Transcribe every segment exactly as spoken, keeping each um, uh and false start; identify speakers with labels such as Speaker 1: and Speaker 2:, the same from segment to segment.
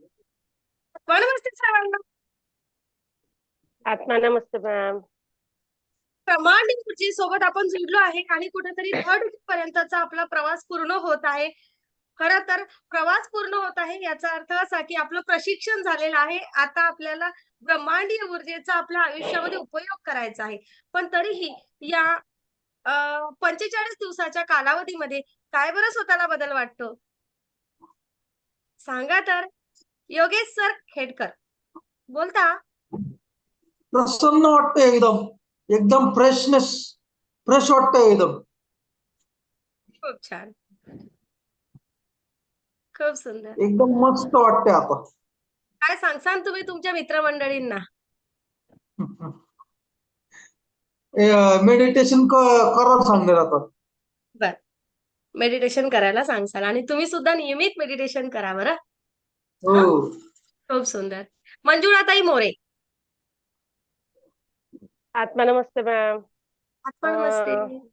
Speaker 1: नमस्ते सर्वांना.
Speaker 2: आत्मा नमस्ते मॅम.
Speaker 1: ब्रह्मांड ऊर्जे सोबत आपण जुडलो आहे आणि कुठेतरी थर्ड पर्यंतचा आपला प्रवास पूर्ण होत आहे. खरं तर प्रवास पूर्ण होत आहे याचा अर्थ असा की आपलं प्रशिक्षण झालेलं आहे. आता आपल्याला ब्रह्मांडीय ऊर्जेचा आपल्या आयुष्यामध्ये उपयोग करायचा आहे. पण तरीही या अ, पंचेचाळीस दिवसाच्या कालावधीमध्ये काय बरं स्वतःला बदल वाटतो? सांगा तर. योगेश सर खेडकर बोलता.
Speaker 3: प्रसन्न वाटतं एकदम. एकदम फ्रेशनेस फ्रेश वाटतं एकदम.
Speaker 1: खूप छान. खूप सुंदर.
Speaker 3: एकदम मस्त वाटतंय आता.
Speaker 1: काय सांगसान तुम्ही तुमच्या मित्रमंडळींना?
Speaker 3: मेडिटेशन करा सांगणार आता.
Speaker 1: बर. मेडिटेशन करायला सांगसाल आणि तुम्ही सुद्धा नियमित मेडिटेशन करा बरं.
Speaker 3: हो.
Speaker 1: हा, खूप सुंदर. मंजुळाताई मोरे.
Speaker 2: आत्मा नमस्ते मॅम.
Speaker 1: आत्मा नमस्ते.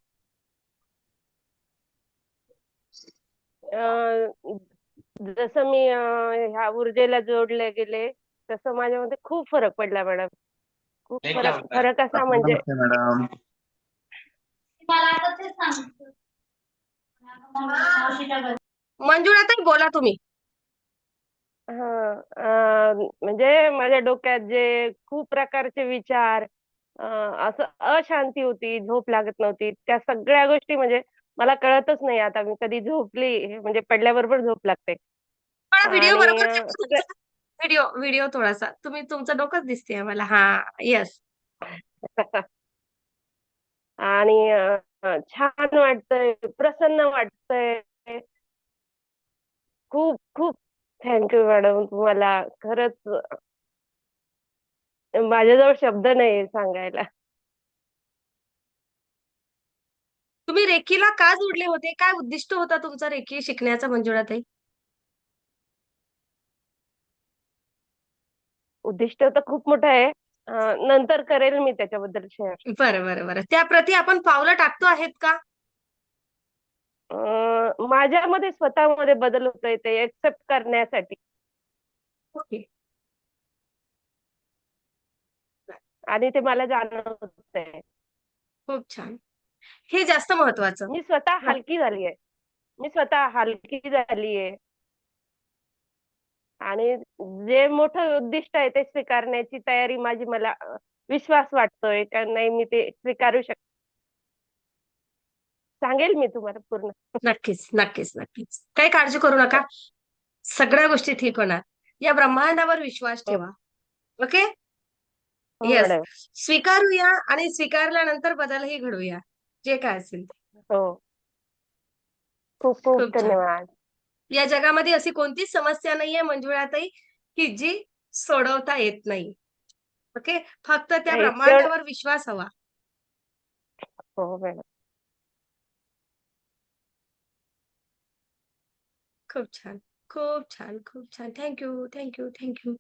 Speaker 2: जसं मी अं, ह्या ऊर्जेला जोडले गेले तसं माझ्यामध्ये खूप फरक पडला मॅडम. खूप
Speaker 4: ये क्या
Speaker 2: फरक
Speaker 4: होता है?
Speaker 2: फरक असा म्हणजे
Speaker 4: नमस्ते मैडम.
Speaker 1: मंजुळाताई बोला तुम्ही.
Speaker 2: हा अं, म्हणजे माझ्या डोक्यात जे खूप प्रकारचे विचार अं, असं अशांती होती, झोप लागत नव्हती, त्या सगळ्या गोष्टी म्हणजे मला कळतच नाही आता मी कधी झोपली म्हणजे पडल्याबरोबर झोप लागते.
Speaker 1: थोडा व्हिडिओ
Speaker 2: आणि
Speaker 1: बरोबर
Speaker 2: अं,
Speaker 1: ठेवा
Speaker 2: सगळ्या
Speaker 1: तुमचा. व्हिडिओ व्हिडिओ थोडासा तुम्ही तुमचं डोकंच दिसते मला. हा. येस.
Speaker 2: आणि अं, छान वाटतंय, प्रसन्न वाटतंय. खूप खूप थँक्यू मॅडम तुम्हाला. खरंच माझ्याजवळ शब्द नाही सांगायला.
Speaker 1: तुम्ही रेकीला का जोडले होते? काय उद्दिष्ट होता तुमचा रेकी शिकण्याचा मंजुळाताई?
Speaker 2: उद्दिष्ट तर खूप मोठं आहे. अं, नंतर करेल मी त्याच्याबद्दल शेअर.
Speaker 1: बरं बरं बरं. त्याप्रती आपण पावलं टाकतो आहेत का?
Speaker 2: माझ्यामध्ये स्वतःमध्ये बदल होतोय ते एक्सेप्ट करण्यासाठी.
Speaker 1: ओके.
Speaker 2: आणि ते मला जाणवतंय.
Speaker 1: खूप छान. हे जास्त महत्वाचं.
Speaker 2: मी स्वतः हलकी झालीये. मी स्वतः हलकी झालीये. आणि जे मोठं उद्दिष्ट आहे ते स्वीकारण्याची तयारी माझी, मला अं, विश्वास वाटतोय का नाही मी ते स्वीकारू शकते. सांगेल मी तुम्हाला पूर्ण.
Speaker 1: नक्कीच नक्कीच नक्कीच. काही काळजी करू नका. सगळ्या गोष्टी ठीक होणार. या ब्रह्मांडावर विश्वास
Speaker 2: हो
Speaker 1: ठेवा. ओके.
Speaker 2: हो
Speaker 1: येस.
Speaker 2: मॅडम.
Speaker 1: स्वीकारूया आणि स्वीकारल्यानंतर बदलही घडूया. जे काय असेल ते.
Speaker 2: हो. खूप खूप
Speaker 1: खूप छान.
Speaker 2: धन्यवाद.
Speaker 1: या जगामध्ये अशी कोणतीच समस्या नाहीये मंजुळाताई की जी सोडवता येत नाही. ओके. फक्त त्या
Speaker 2: नाही तेवढं.
Speaker 1: ब्रह्मांडावर विश्वास हवा.
Speaker 2: हो मॅडम.
Speaker 1: खूप छान. खूप छान. खूप छान. थँक्यू. थँक्यू. थँक्यू.